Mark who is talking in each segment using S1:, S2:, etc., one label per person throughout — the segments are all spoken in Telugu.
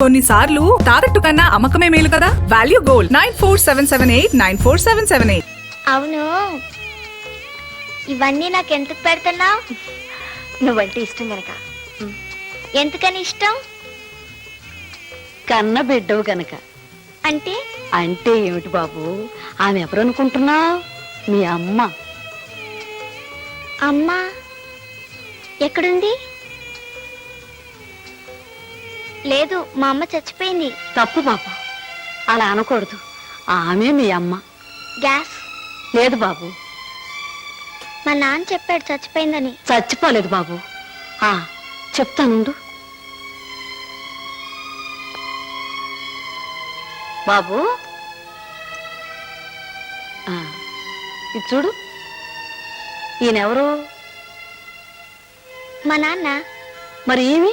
S1: కొన్నిసార్లు తాకట్టు కన్నా అమ్మకమే మేలు కదా. Value gold 9477894778.
S2: అవును, ఇవన్నీ నాకు ఎందుకు పెడుతున్నావు?
S3: నువ్వంటే ఇష్టం గనక.
S2: ఎందుకని ఇష్టం?
S3: కన్న బిడ్డవు గనక.
S2: అంటే
S3: అంటే ఏమిటి బాబు, ఆమె ఎవరు అనుకుంటున్నావు? మీ అమ్మ.
S2: అమ్మా ఎక్కడుంది? లేదు, మా అమ్మ చచ్చిపోయింది.
S3: తప్పు బాబు, అలా అనకూడదు. ఆమె మీ అమ్మ.
S2: గ్యాస్
S3: లేదు బాబు,
S2: మా నాన్న చెప్పాడు చచ్చిపోయిందని.
S3: చచ్చిపోలేదు బాబు. చెప్తానుండు బాబు. ఇది చూడు, ఈయనెవరు?
S2: మా నాన్న.
S3: మరి ఏమి?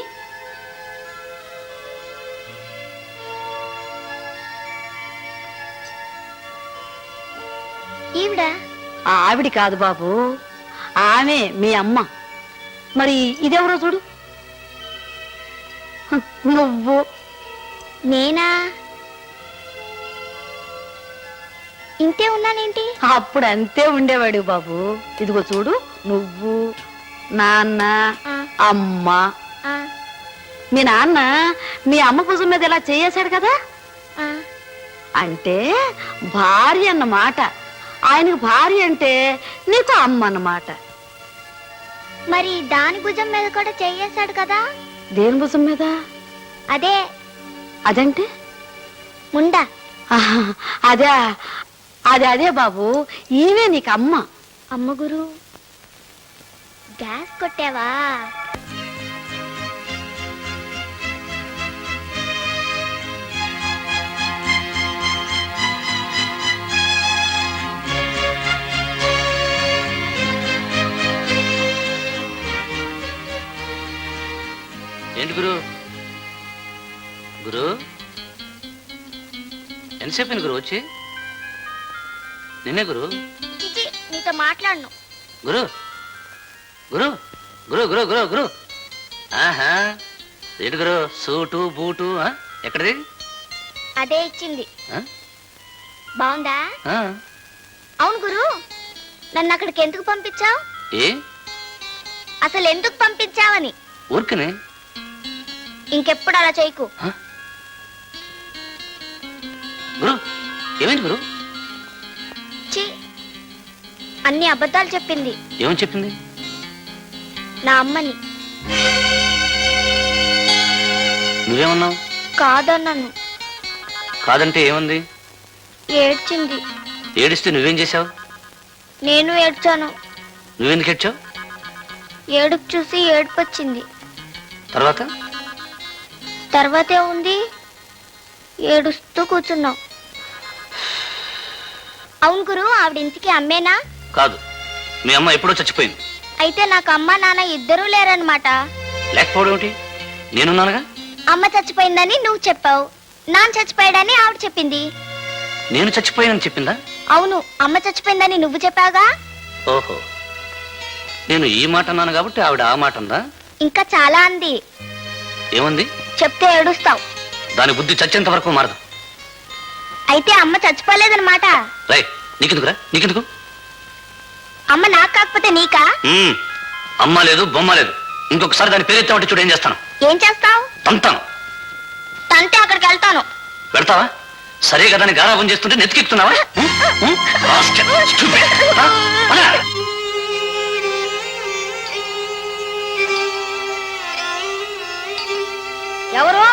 S2: ఈవిడ?
S3: ఆవిడ కాదు బాబు, ఆమె మీ అమ్మ. మరి ఇదెవరో చూడు. నువ్వు.
S2: నేనా? ఇంతే ఉన్నానేంటి?
S3: అప్పుడు అంతే ఉండేవాడు బాబు. ఇదిగో చూడు, నువ్వు, నాన్న, అమ్మ. మీ నాన్న మీ అమ్మ భుజం మీద ఇలా చేయేశాడు కదా, అంటే భార్య అన్నమాట. ఆయనకు భార్య అంటే నీకు అమ్మ అన్నమాట.
S2: మరి దాని భుజం మీద కూడా చెయ్యేశాడు కదా.
S3: దేని భుజం మీద?
S2: అదే.
S3: అదంటే
S2: ముండా.
S3: అదే అదే అదే బాబు, ఈమె నీకు అమ్మ.
S2: అమ్మ గురు, గ్యాస్ కొట్టావా?
S4: ఏంటి గురు? గురు ఎంతసేపు గురు వచ్చి? నిన్నే గురు.
S2: నీతో మాట్లాడను.
S4: గురు గురు గురు గురు గురు గురు ఆహా, ఏంటి గురు సూటు బూటు ఎక్కడిది?
S2: అదే ఇచ్చింది. బాగుందా? అవును గురు, నన్ను అక్కడికి ఎందుకు పంపించావు?
S4: ఏ
S2: అసలు ఎందుకు పంపించావని.
S4: ఊరికనే.
S2: ఇంకెప్పుడు అలా చేయకు.
S4: గురు ఏమైంది గురు?
S2: అన్ని అబద్ధాలు చెప్పింది.
S4: ఏమని చెప్పింది?
S2: నా అమ్మని.
S4: నువ్వేమన్నావు?
S2: కాదన్నాను.
S4: కాదంటే ఏముంది?
S2: ఏడ్చింది.
S4: ఏడిస్తే నువ్వేం చేశావు?
S2: నేను ఏడ్చాను.
S4: నువ్వెందుకు ఏడ్చావు?
S2: ఏడుపు చూసి ఏడుపు వచ్చింది.
S4: తర్వాత?
S2: తర్వాతే ఉంది, ఏడుస్తూ కూర్చున్నావు. అవును గురు, ఆవిడ ఇంటికి అమ్మేనా?
S4: కాదు, మీ అమ్మ ఎప్పుడో చచ్చిపోయింది.
S2: అయితే నాకు అమ్మ నాన్న ఇద్దరూ లేరన్నమాట.
S4: లేకపోవడం ఏమిటి? నేనున్నానుగా.
S2: అమ్మ చచ్చిపోయిందని నువ్వు చెప్పావు, నాన్న చచ్చిపోయాడని ఆవిడ చెప్పింది.
S4: నేను చచ్చిపోయానని చెప్పిందా?
S2: అవును, అమ్మ చచ్చిపోయిందని నువ్వు చెప్పావుగా.
S4: ఓహో, నేను ఈ మాట అన్నాను కాబట్టి ఆవిడ ఆ మాట ఉందా?
S2: ఇంకా చాలా అంది.
S4: ఏముంది?
S2: చెప్తే ఏడుస్తావు.
S4: దాని బుద్ధి చచ్చేంత వరకు మారదు.
S2: అయితే అమ్మ చచ్చిపోలేదన్నమాట.
S4: రై, నీకెందుకురా? నీకెందుకు?
S2: అమ్మ నాకు కాకపోతే నీకా?
S4: అమ్మ లేదు, బొమ్మ లేదు. ఇంకొకసారి దాని పేరెత్తామంటే చూడు ఏం చేస్తాను.
S2: ఏం చేస్తావు?
S4: తంతాను.
S2: తంతే అక్కడికి వెళ్తాను.
S4: వెళ్తావా? సరే కదా అని గారాబం చేస్తుంటే నెత్తికెక్కుతున్నావా?
S3: ఎవరు?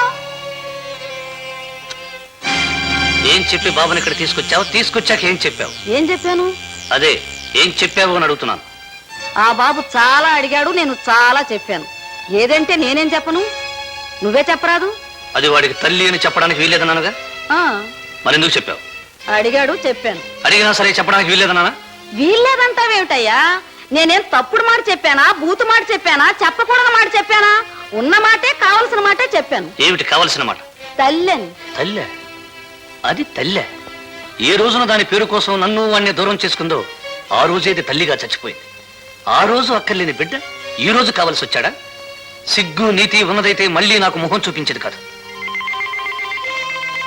S4: ఏం చెప్పి బాబుని ఇక్కడ తీసుకొచ్చావు? తీసుకొచ్చాక ఏం చెప్పావు?
S3: ఏం చెప్పాను?
S4: అదే ఏం చెప్పావు అని అడుగుతున్నాను.
S3: ఆ బాబు చాలా అడిగాడు, నేను చాలా చెప్పాను. ఏదంటే నేనేం చెప్పను, నువ్వే చెప్పరాదు.
S4: అది వాడికి తల్లి అని చెప్పడానికి వీల్లేదన్నానుగా. మరి ఎందుకు చెప్పావు?
S3: అడిగాడు, చెప్పాను.
S4: అడిగినా సరే చెప్పడానికి వీల్లేదన్నానా?
S3: వీల్లేదంటావేమిటయ్యా? నేనేం తప్పుడు మాట చెప్పానా, బూతు మాట చెప్పానా, చెప్పకూడని మాట చెప్పానా? ఉన్న మాటే, కావలసిన మాటే చెప్పాను.
S4: ఏమిటి కావలసిన మాట?
S3: తల్లని.
S4: తల్లె? అది తల్లె? ఏ రోజున దాని పేరు కోసం నన్ను వాణ్ణి దూరం చేసుకుందో ఆ రోజేది తల్లిగా చచ్చిపోయింది. ఆ రోజు అక్కర్లేని బిడ్డ ఈ రోజు కావలసి వచ్చాడా? సిగ్గు నీతి ఉన్నదైతే మళ్ళీ నాకు మొహం చూపించేది కాదు.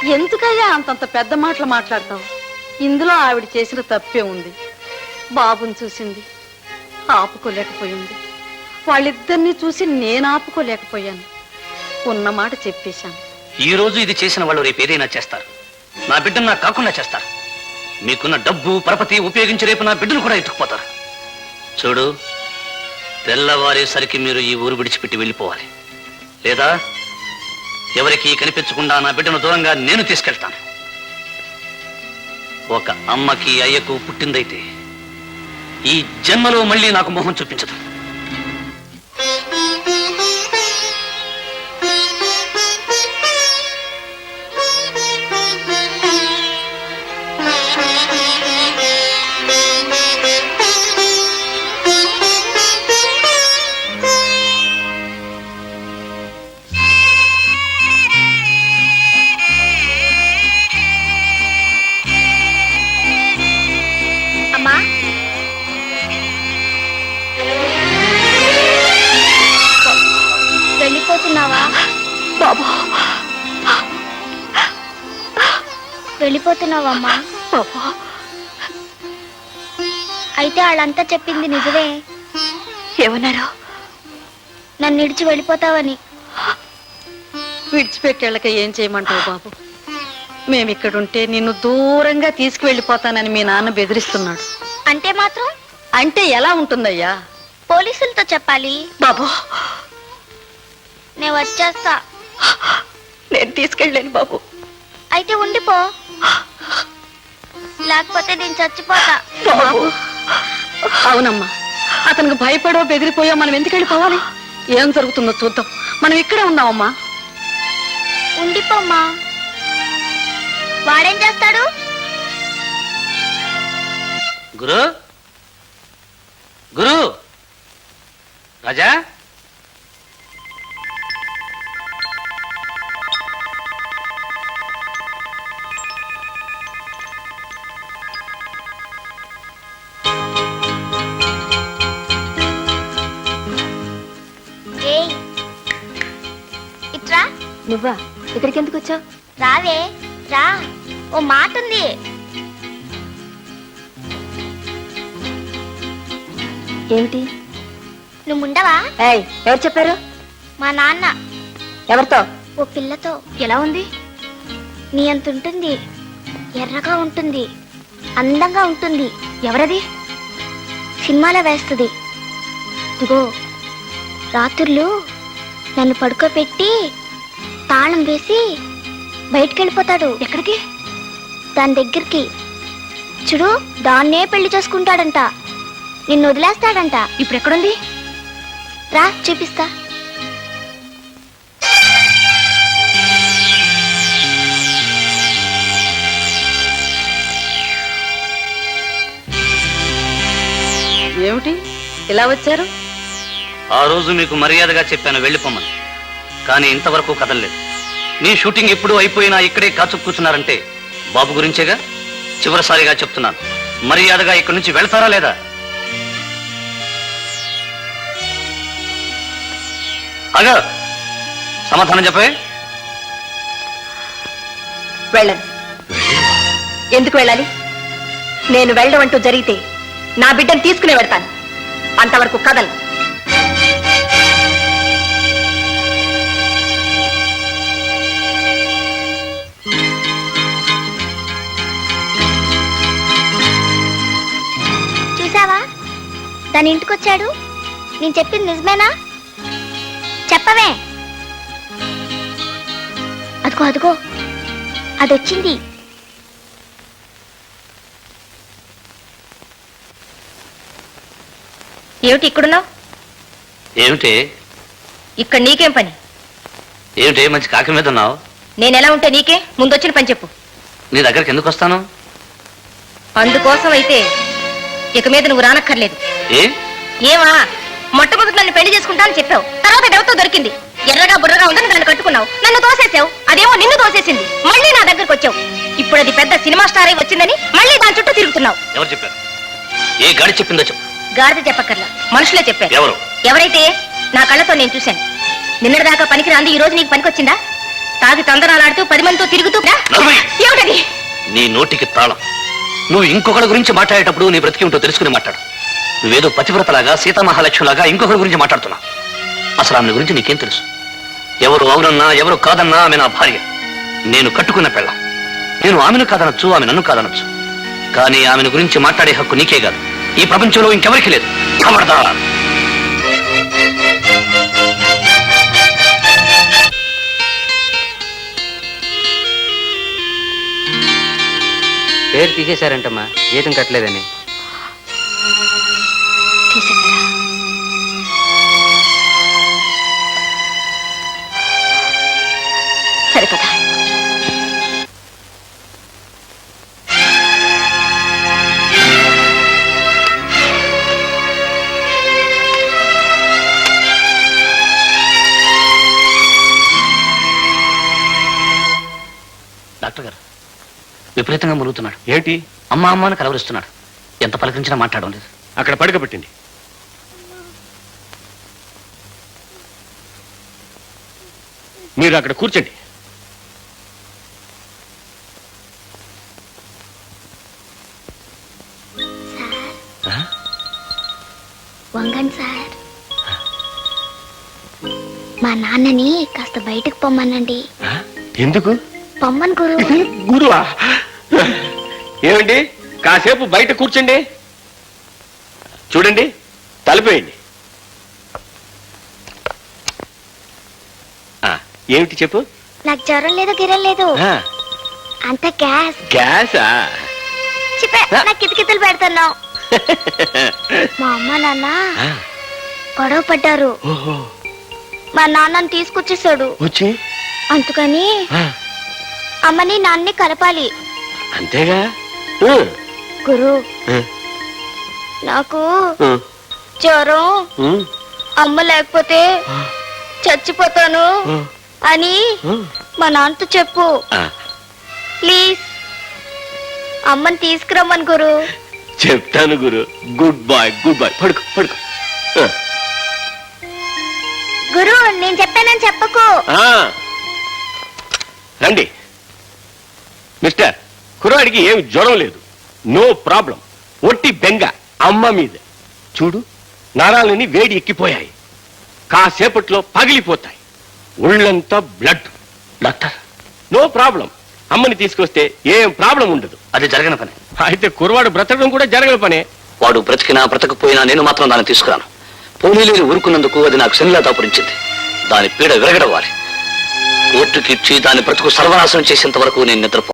S3: ఎందుకయ్యా అంతంత పెద్ద మాటలు మాట్లాడతావు? ఇందులో ఆవిడ చేసిన తప్పే ఉంది. బాబుని చూసింది, ఆపుకోలేకపోయింది. వాళ్ళిద్దరినీ చూసి నేను ఆపుకోలేకపోయాను. ఉన్న మాట చెప్పేశాను.
S4: ఈ రోజు ఇది చేసిన వాళ్ళు రేపు ఏదైనా చేస్తారు. నా బిడ్డను నాకు కాకుండా చేస్తారు. మీకున్న డబ్బు పరపతి ఉపయోగించి రేపు నా బిడ్డను కూడా ఎత్తుకుపోతారు. చూడు, తెల్లవారేసరికి మీరు ఈ ఊరు విడిచిపెట్టి వెళ్ళిపోవాలి. లేదా ఎవరికి కనిపించకుండా నా బిడ్డను దూరంగా నేను తీసుకెళ్తాను. ఒక అమ్మకి అయ్యకు పుట్టిందైతే ఈ జన్మలో మళ్ళీ నాకు మొహం చూపించదు.
S2: అమ్మా, వెళ్ళిపోతున్నావా?
S3: బాబు,
S2: వెళ్ళిపోతున్నావమ్మా?
S3: బాబు,
S2: అయితే వాళ్ళంతా చెప్పింది నిజమే.
S3: ఏమన్నారు?
S2: నన్ను ఇడిచి వెళ్ళిపోతావని.
S3: విడిచిపెట్టేళ్ళక ఏం చేయమంటావు బాబు? మేమిక్కడుంటే నిన్ను దూరంగా తీసుకువెళ్ళిపోతానని మీ నాన్న బెదిరిస్తున్నాడు.
S2: అంటే మాత్రం
S3: అంటే ఎలా ఉంటుందయ్యా?
S2: పోలీసులతో చెప్పాలి.
S3: బాబు,
S2: నేను వచ్చేస్తా.
S3: నేను తీసుకెళ్ళలేను బాబు.
S2: అయితే ఉండిపో, లేకపోతే నేను చచ్చిపోతా.
S3: బాబు, అవునమ్మా, అతనికి భయపడో బెదిరిపోయో మనం ఎందుకు వెళ్ళిపోవాలి? ఏం జరుగుతుందో చూద్దాం. మనం ఇక్కడే ఉన్నామమ్మా.
S2: ఉండిపోమ్మా. వాడేం చేస్తాడు?
S4: గురు, గురు, రాజా,
S2: ఏయ్, ఇట్రా.
S3: నువ్వా? ఇక్కడికి ఎందుకు వచ్చావు?
S2: రావే, రా. ఓ మాట ఉంది.
S3: ఏమిటి?
S2: నువ్వు ఉండవా?
S3: ఎవరు చెప్పారు?
S2: మా నాన్న.
S3: ఎవరితో?
S2: ఓ పిల్లతో.
S3: ఎలా ఉంది?
S2: నీ అంత ఉంటుంది, ఎర్రగా ఉంటుంది, అందంగా ఉంటుంది.
S3: ఎవరది?
S2: సినిమాలో వేస్తుంది. ఇదిగో, రాత్రులు నన్ను పడుకోబెట్టి తాళం వేసి బయటికి వెళ్ళిపోతాడు.
S3: ఎక్కడికి?
S2: దాని దగ్గరికి. చూడు, దాన్నే పెళ్లి చేసుకుంటాడంట. నిన్ను వదిలేస్తాడంట.
S3: ఇప్పుడు ఎక్కడుంది?
S2: రా, చూపిస్తా.
S3: ఏమిటి ఇలా వచ్చారు?
S4: ఆ రోజు మీకు మర్యాదగా చెప్పాను వెళ్ళిపోమని, కానీ ఇంతవరకు కదలలేదు. మీ షూటింగ్ ఎప్పుడు అయిపోయినా ఇక్కడే కాచు కూర్చున్నారంటే బాబు గురించేగా. చివరిసారిగా చెప్తున్నాను, మర్యాదగా ఇక్కడి నుంచి వెళ్తారా లేదా? అగా సమాధానం చెప్పే.
S5: వెళ్ళను. ఎందుకు వెళ్ళాలి? నేను వెళ్ళడం అంటూ జరిగితే నా బిడ్డను తీసుకునే వెళ్తాను. అంతవరకు కదలు.
S2: చూసావా, దాని ఇంటికొచ్చాడు. నేను చెప్పింది నిజమేనా? చెప్పవే. అదిగో అదిగో, అదొచ్చింది.
S5: ఏమిటి ఇక్కడున్నావు?
S4: ఏమిటి?
S5: ఇక్కడ నీకేం పని?
S4: ఏమిటి మంచి కాకి మీద ఉన్నావు?
S5: నేనెలా ఉంటే నీకే? ముందొచ్చిన పని చెప్పు.
S4: నీ దగ్గరికి ఎందుకు వస్తాను?
S5: అందుకోసం అయితే ఇక మీద నువ్వు రానక్కర్లేదు. ఏమా, మొట్టమొదటి నన్ను పెళ్లి చేసుకుంటానని చెప్పావు. తర్వాత ఎవరితో దొరికింది? ఎర్రగా బుర్రగా ఉందని దాన్ని కట్టుకున్నావు. నన్ను తోసేసావు. అదేమో నిన్ను తోసేసింది. మళ్ళీ నా దగ్గరకు వచ్చావు. ఇప్పుడు అది పెద్ద సినిమా స్టార్ అయి వచ్చిందని మళ్ళీ దాని చుట్టూ తిరుగుతున్నావు.
S4: ఎవరు చెప్పారు? ఏ గాడి చెప్పిందో చెప్పు.
S5: గాడిద చెప్పక్కర్లా, మనుషులే చెప్పారు.
S4: ఎవరు?
S5: ఎవరైతే నా కళ్ళతో నేను చూశాను. నిన్నటిదాకా పనికి రాంది ఈ రోజు నీకు పనికొచ్చిందా? తాగి తందనాలాడుతూ 10 మందితో తిరుగుతూ
S4: నవ్వి!
S5: ఏమిటది?
S4: నీ నోటికి తాళం. నువ్వు ఇంకొకరి గురించి మాట్లాడేటప్పుడు నీ బ్రతికి ఉంటో తెలుసుకుని మాట్లాడు. నువ్వేదో పతివ్రతలాగా సీతామహాలక్ష్మిలాగా ఇంకొకరి గురించి మాట్లాడుతున్నావు. అసలు ఆమె గురించి నీకేం తెలుసు? ఎవరు అవునన్నా ఎవరు కాదన్నా ఆమె నా భార్య. నేను కట్టుకున్న పెళ్ళం. నేను ఆమెను కాదనొచ్చు, ఆమె నన్ను కాదనొచ్చు. కానీ ఆమెను గురించి మాట్లాడే హక్కు నీకే కాదు, ఈ ప్రపంచంలో ఇంకెవరికి లేదు. ఖబర్దార్.
S6: పేరు తీసేశారంటమ్మా, జీతం కట్టలేదని.
S5: తీసేశారా? సరే కదా.
S4: డాక్టర్ గారు విపరీతంగా మురుగుతున్నాడు.
S7: ఏంటి?
S4: అమ్మ అమ్మ అని కలవరిస్తున్నాడు. ఎంత పలకరించినా మాట్లాడడం లేదు.
S7: అక్కడ పడకబెట్టండి. మీరు అక్కడ కూర్చోండి.
S2: వంగండి సార్. మా నాన్నని కాస్త బయటకు పొమ్మనండి.
S7: ఎందుకు?
S2: పొమ్మను గురు.
S7: గురువా? ఏమండి, కాసేపు బయట కూర్చోండి. చూడండి, తలపేయండి. ఏమిటి చెప్పు?
S2: నాకు జ్వరం లేదు, గిరం లేదు, అంత గ్యాస్.
S7: గ్యాసా?
S2: చెప్పే నాకు కితకితలు పెడుతున్నావు. మా అమ్మ నాన్న గొడవ పడ్డారు.
S7: ఓహో,
S2: మా నాన్నని తీసుకొచ్చేసాడు.
S7: వచ్చి
S2: అందుకని అమ్మని నాన్నని కలపాలి.
S7: అంతేగా.
S2: గురు, నాకు జ్వరం, అమ్మ లేకపోతే చచ్చిపోతాను అని మా నాన్నతో చెప్పు ప్లీజ్. అమ్మని తీసుకురమ్మను గురు.
S7: చెప్తాను గురు. Good boy, good boy. పడుకో పడుకో.
S2: గురు, నేను చెప్పానని చెప్పకు.
S7: రండి మిస్టర్. కుర్రాడికి ఏమి జ్వరం లేదు, నో ప్రాబ్లం. ఒట్టి బెంగ అమ్మ మీద. చూడు, నరాలని వేడి ఎక్కిపోయాయి, కాసేపట్లో పగిలిపోతాయి, ఒళ్ళంతా బ్లడ్.
S4: Doctor,
S7: no problem. అమ్మని తీసుకొస్తే ఏం ప్రాబ్లం ఉండదు.
S4: అది జరగని పని.
S7: అయితే కుర్రవాడు బ్రతకడం కూడా జరగని పనే.
S4: వాడు బ్రతికినా బ్రతకపోయినా నేను మాత్రం దాన్ని తీసుకురాను. పోనీలేని ఊరుకున్నందుకు అది నాకు శనిలా దాపురించింది. దాని పీడ విరగడవ్వాలి. కోర్టుకి ఇచ్చి దాని బ్రతుకు సర్వనాశనం చేసేంత వరకు నేను నిద్రపో.